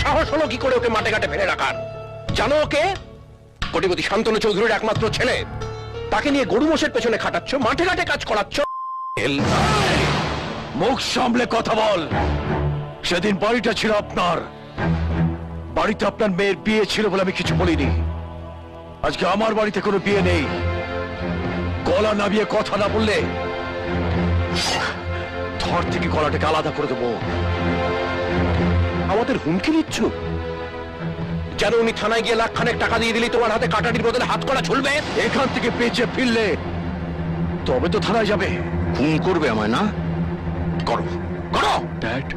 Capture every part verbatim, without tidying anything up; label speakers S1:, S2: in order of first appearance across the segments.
S1: সাহস হলো কি করে ওকে মাঠে ঘাটে ফেলে রাখার? জানো ওকে? কোটিপতি শান্তনু চৌধুরীর একমাত্র ছেলে। তাকে নিয়ে গরু মোষের পেছনে খাটাচ্ছ, মাঠে ঘাটে কাজ করাচ্ছ।
S2: মুখ সামলে কথা বল। সেদিন বাড়িটা ছিল আপনার, বাড়িতে আপনার মেয়ের বিয়ে ছিল বলে আমি কিছু বলিনি। আজকে আমার বাড়িতে কোনো বিয়ে নেই। গলা নামিয়ে কথা না বললে ধর থেকে গলাটাকে আলাদা করে দেবো।
S1: আমাদের হুমকি দিচ্ছ? যেন উনি থানায় গিয়ে লাখ খানেক টাকা দিয়ে দিলি তোমার হাতে কাটাটির বদলে হাত করা ঝুলবে।
S2: এখান থেকে বেঁচে ফিরলে তবে তো থানায় যাবে।
S1: খুন করবে আমায় না? করো করো।
S2: ড্যাড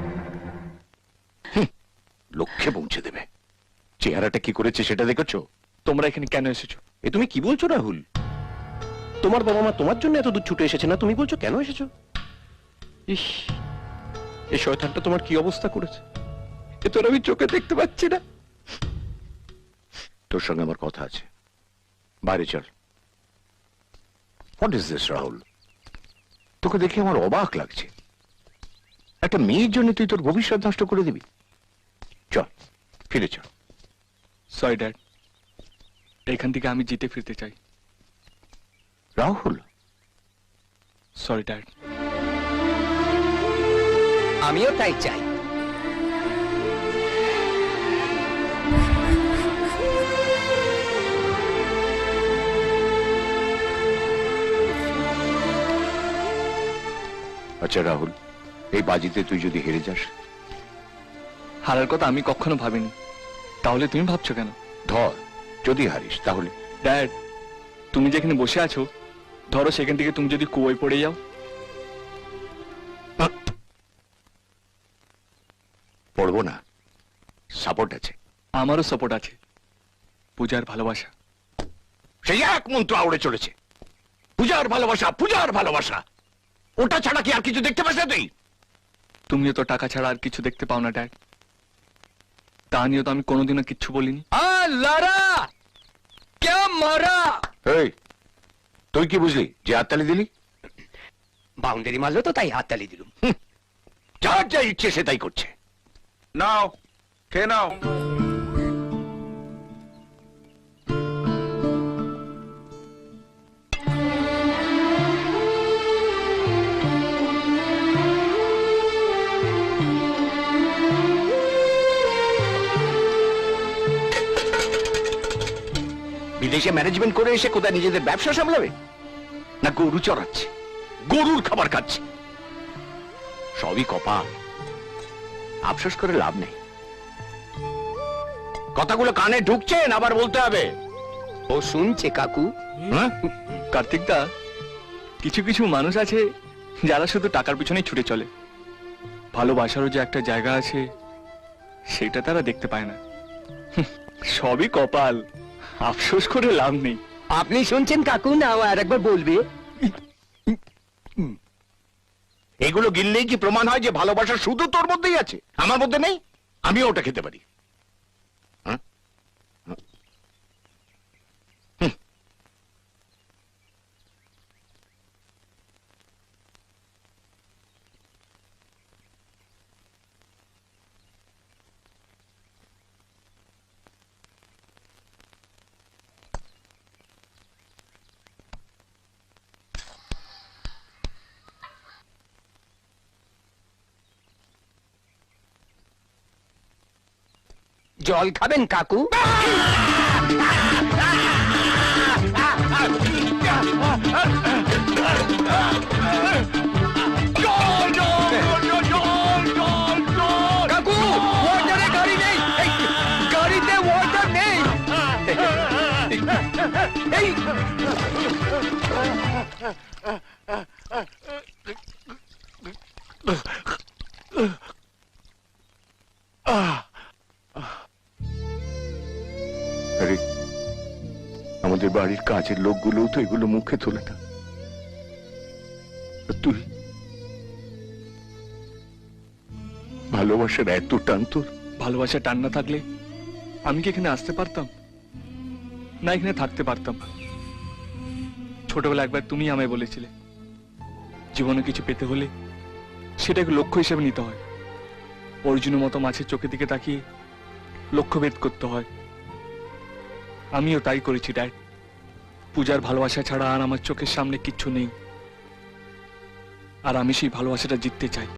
S1: লক্ষ্যে পৌঁছে দেবে। চেহারাটা কি করেছে সেটা দেখেছো?
S2: তোমরা এখানে কেন এসেছো?
S1: এ তুমি কি বলছো রাহুল? তোমার বাবা মা তোমার জন্য এত দূর ছুটে এসেছে না, তুমি বলছো কেন এসেছো? ইস, এই শয়তানটা তোমার কি অবস্থা করেছে এ তোর আমি চোখে দেখতে পাচ্ছি না। তোর সঙ্গে আমার কথা আছে, বাইরে চল। What is this Rahul? তোকে দেখে আমার অবাক লাগছে। একটা মেয়ের জন্য তুই তোর ভবিষ্যৎ নষ্ট করে দিবি? চল ফিরে চল।
S2: সরি ড্যাড, এখান থেকে আমি জিতে ফিরতে চাই।
S1: Rahul,
S2: sorry dad.
S3: আমিও তাই চাই।
S1: আচ্ছা রাহুল, এই বাজিতে তুই যদি হেরে যাস?
S2: হারার কথা আমি কখনো ভাবিনি, তাহলে তুমি ভাবছো কেন?
S1: ধর, যদি হারিস তাহলে?
S2: ড্যাড, তুমি যেখানে বসে আছো, ধরো সেখান থেকে তুমি যদি কুয়োয় পড়ে যাও?
S1: পড়বো না, সাপোর্ট আছে।
S2: আমারও সাপোর্ট আছে, পূজার ভালোবাসা।
S1: সেই এক মন্ত্র আউড়ে চলেছে, পূজার ভালোবাসা, পূজার ভালোবাসা। ওটা ছাড়া কি আর কিছু দেখতে পাস না তুই?
S2: তুমিও তো টাকা ছাড়া আর কিছু দেখতে পাও না ড্যাড, তা নিয়ে তো আমি কোনোদিনও কিচ্ছু বলিনি।
S3: লড়া কে মারা?
S1: এই, তুই কি বুঝলি যে হাততালি দিলি?
S3: বাউন্ডারি মারলো তো তাই হাততালি দিলুম।
S1: যার যা ইচ্ছে সে তাই করছে।
S4: নাও খেয়ে নাও।
S1: বিদেশে ম্যানেজমেন্ট করে এসে কোথায় নিজেদের ব্যবসা সামলাবে, না গরু চড়াচ্ছে, গরুর খাবার খাচ্ছে? সবই কপাল, আফসোস করে লাভ নেই। কথাগুলো কানে ঢুকছেন, আবার বলতে হবে।
S3: ও শুনছে কাকু।
S1: হ্যাঁ?
S2: কার্তিক দা, কিছু কিছু মানুষ আছে যারা শুধু টাকার পিছনেই ছুটে চলে, ভালোবাসারও যে একটা জায়গা আছে সেটা তারা দেখতে পায় না। সবই কপাল, আফসোস করে লাভ নেই।
S3: আপনি শুনছেন কাকু, না আর একবার বলবে?
S1: এগুলো গিললেই কি প্রমাণ হয় যে ভালোবাসা শুধু তোর মধ্যেই আছে, আমার মধ্যে নেই? আমিও ওটা খেতে পারি। হ্যাঁ? হুম।
S3: জল খাবেন কাকু? কাকু, ওয়াটারে গাড়ি নেই, এই, গাড়িতে ওয়াটার নেই। এই
S1: আরে, আমাদের বাড়ির কাজের লোকগুলো তো এগুলো মুখে তোলে না। আর তুই, ভালোবাসার এত টান তোর?
S2: ভালোবাসা টান না থাকলে আমি কি এখানে আসতে পারতাম, না এখানে থাকতে পারতাম? ছোটবেলা একবার তুমি আমায় বলেছিলে, জীবনে কিছু পেতে হলে সেটাকে লক্ষ্য হিসেবে নিতে হয়। অর্জুনের মতো মাছের চোখের দিকে তাকিয়ে লক্ষ্যভেদ করতে হয়। আমিও তাই করেছি ড্যাড। পূজার ভালোবাসা ছাড়া আর আমার চোখের সামনে কিচ্ছু নেই, আর আমি সেই ভালোবাসাটা জিততে চাই।